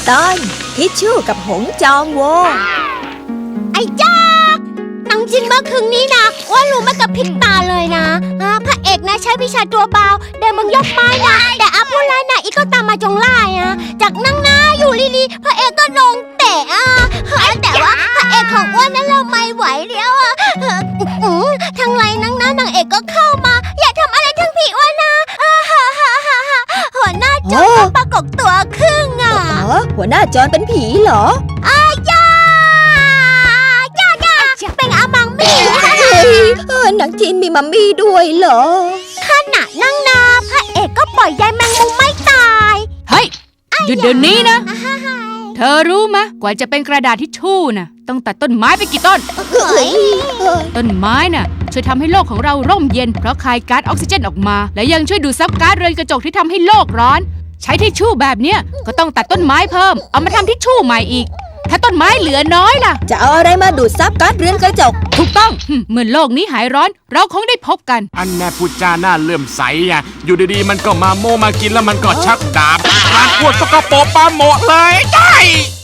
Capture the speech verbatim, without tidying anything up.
ตอนทิชชู่กับหงจองโวไอ้จ้ากหนังจินเมื่อคืนนี้นะว่ารู้มากับพริบตาเลยนะพระเอกนะใช้วิชาตัวเบาเดินมึงยกไม้นะแต่อาผู้ร้ายนะอีกก็ตามมาจงไล่อะจากนั่งหน้าอยู่ลีๆพระเอกก็ลงเตะอ่ะแต่ว่าพระเอกของอ้วนนั้นเราไม่ไหวแล้วอ่ะทางไรนั่งหน้านางเอกก็เข้ามาอย่าทำอะไรทั้งผีอ้วนนะหัวหน้าโจรปรากฏตัวครึ่งอ่ะหัวหน้าโจรเป็นผีเหรออาญาญาญาเป็นอามังมี่หนังจีนมีมัมมี่ด้วยเหรอขณะนั่งนาพระเอกก็ปล่อยยายแมงมุมไม่ตายเฮ้ยหยุดเดี๋ยวนี้นะเธอรู้มะกว่าจะเป็นกระดาษทิชชู่น่ะต้องตัดต้นไม้ไปกี่ต้นต้นไม้น่ะช่วยทำให้โลกของเราร่มเย็นเพราะคายก๊าซออกซิเจนออกมาและยังช่วยดูดซับก๊าซเรือนกระจกที่ทำให้โลกร้อนใช้ทิชชู่แบบเนี้ยก็ต้องตัดต้นไม้เพิ่มเอามาทำทิชชู่ใหม่อีกถ้าต้นไม้เหลือน้อยล่ะจะเอาอะไรมาดูดซับก๊าซเรือนกระจกถูกต้องเมื่อโลกนี้หายร้อนเราคงได้พบกันอันแน่พูดจาหน้าเลื่อมใสอ่ะอยู่ดีๆมันก็มาโมมากินแล้วมันก็ชักดาบทานพวดสกปรกปาโมะเลยได้